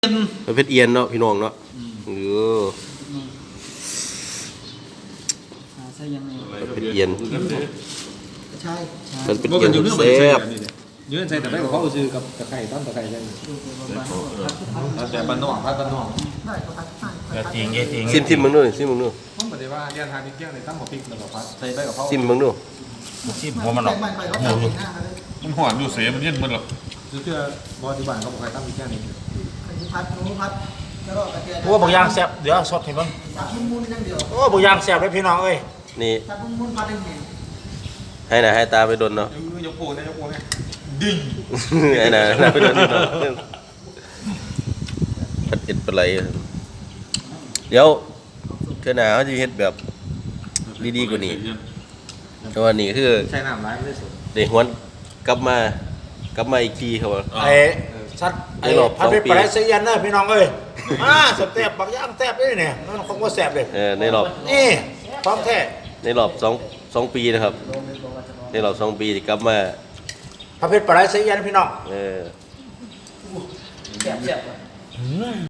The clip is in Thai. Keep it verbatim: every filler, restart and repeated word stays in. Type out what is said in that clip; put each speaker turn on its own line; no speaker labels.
มันเป็นเอียนเนาะพี่น้องเนาะเออ
ใช่ยังไง
เป็นเอียน
ใช่ใช่
มันเป็นเอียนแซ่บ
ยืนใส่แต่ไม่กับเขาซื้อกับตะไคร้ต้นตะไคร้ใช่ไหมแต่บ้านนอกพัดบ้านนอก
ได้ก็พัดใช่
อย่าทิ้งอย่าทิ้ง
ซิมซิมมึงด้วยซิมมึงด้วย
ผมบอกเลยว่าเรียนทางนี้เกี่ยงในตั้งหัวพริกแล้วก็พัดใส่ไปกับเขา
ซิมมึงด้วย
ซิมหัวมันหรอก
ใส่ใหม่เขาเอาหน้าเขาเลย
มันหอนอยู่เสียมันเย็นมันหรอก
ซื้อเชื่อบอที่บ้านเขาบอกใครตั้งมีเกี่ยงนี่
พัดหนูพัดแล้วก็กระเทียม
โอ้บางอย่างแซ่บเดี๋ยวสดให้มัน
พัดมุนๆอย่างเดียว
โอ้บางอย่างแซ่บเลยพี่น้องเอ้ย
นี่
พัดมุนๆพัดเอง
ให้หน่าให้ตาไปโดนเนาะ
ยกโป้เนี่ยยกโป้เนี่ยดิ่ง
ให้หน่าให้ไปโดนเนาะผัดเอ็ดปลาไหลเดี๋ยวเท่าหน้าเขาจะเฮ็ดแบบดีๆกว่านี้แต่ว่านี่คือ
ใช้น้ำร้ายไม่ได้สุด
เด็กหวนกลับมากลับมาอีกทีครับว่า
ไอ้สัตว์ไอ้พันธุ์ปลาไหลเสียนนะพี่น้องเอ้ยอ่าแซ่บๆบางอย่างแซ่บเลยเนี่ยมันคงว่าแซ่บเลย
เออในรอบ
นี่พร้อมแท้
ในรอบสองสองปีนะครับ ในรอบสองปีที่กลับมา
พันธุ์ปลาไหลเสียนพี่น้อง
เออ
แสบๆ